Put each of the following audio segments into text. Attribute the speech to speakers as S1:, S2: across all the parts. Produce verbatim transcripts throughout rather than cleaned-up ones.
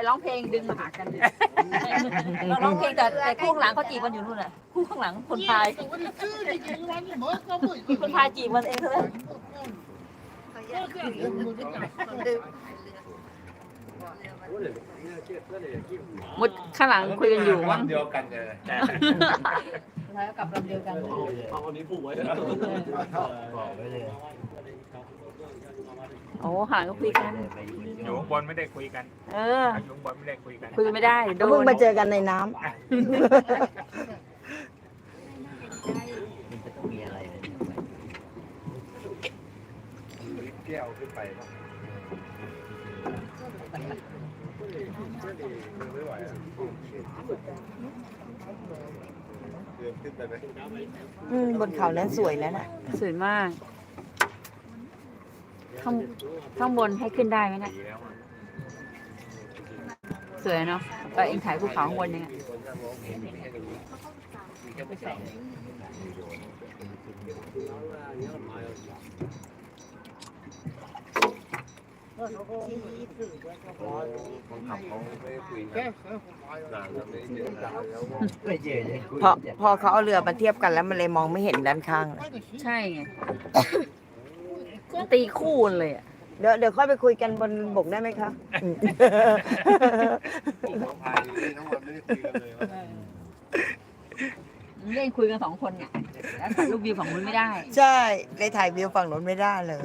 S1: ร้องเพลงดึงมาหากันเลยเราร้องเพลงแต่แต่คู่ข้างหลังเขาจีบมันอยู่นู่นน่ะคู่ข้างหลังคนพายคนพายจีบมันเองเท่านั้นมุดข้างหลังคุยกันอยู่ว่า
S2: เดียวกันเลย
S1: แล้วกับลำเดียวกัน
S3: เอาอันนี้ผูกไว้เลย
S2: บอกไว้เลย
S1: โอ้ห่างก็คุยกัน
S4: อยู่ข้างบนไม่ได้คุยกัน
S1: เออ
S4: อยู่ข้างบนไม่ได้คุยกัน
S1: คุยไม่ได้โด
S5: เพิ่ง
S1: น
S5: มาเจอกันในน้
S2: มันจะต้องมีอะไรเลยแก้วขึ้นไปป่ะไม่ไหวอ่ะเดินขึ้นไปไหม
S5: ำอืมบนเขานั้นสวยแล้วน่ะ
S1: สวยมากข้างข้างบนให้ขึ้นได้ไหมเนี่ย
S4: ดีแล้วอะ
S1: สวยเนาะไปเองถ่ายภูเขาข้างบนเนี่ย
S2: คนนั่งร้องเพลงมีแค่ตรงนี้มีแค่ไม่ใส่คนขับเขาไม่คุยกันนานแล้วไม่เจอกันแล้วไม่เจอเลย
S5: พอพอเขาเอาเรือมาเทียบกันแล้วมันเลยมองไม่เห็นด้านข้าง
S1: ใช่ไงตีคู่เลยอ่ะ
S5: เดี๋ยวเดี๋ยวค่อยไปคุยกันบนบกได้ไหมคะอืม
S2: น้องพายทั้งวันไม่ได้คุยกันเลยว่า
S1: เล่นคุยกันสองคนไงแล้วถ่ายรูปวิวฝั่งนู้นไม่ได้
S5: ใช่เลยถ่ายวิวฝั่งนู้นไม่ได้เลย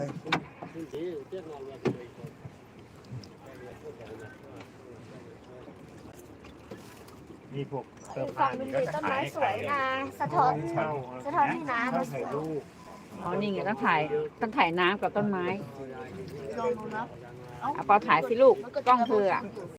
S4: มีพวกเสื้อผ้า
S6: ฝั่งมันมีต้นไม้สวยนะสะท้อนสะท้อนให้น้ำมันสวย
S1: อ๋อนี่ไงต้องถ่ายต้องถ่ายน้ำกับต้นไม้
S6: ลองดูเนาะ
S1: เอาเปาถ่ายสิลูกกล้องเธออ่ะ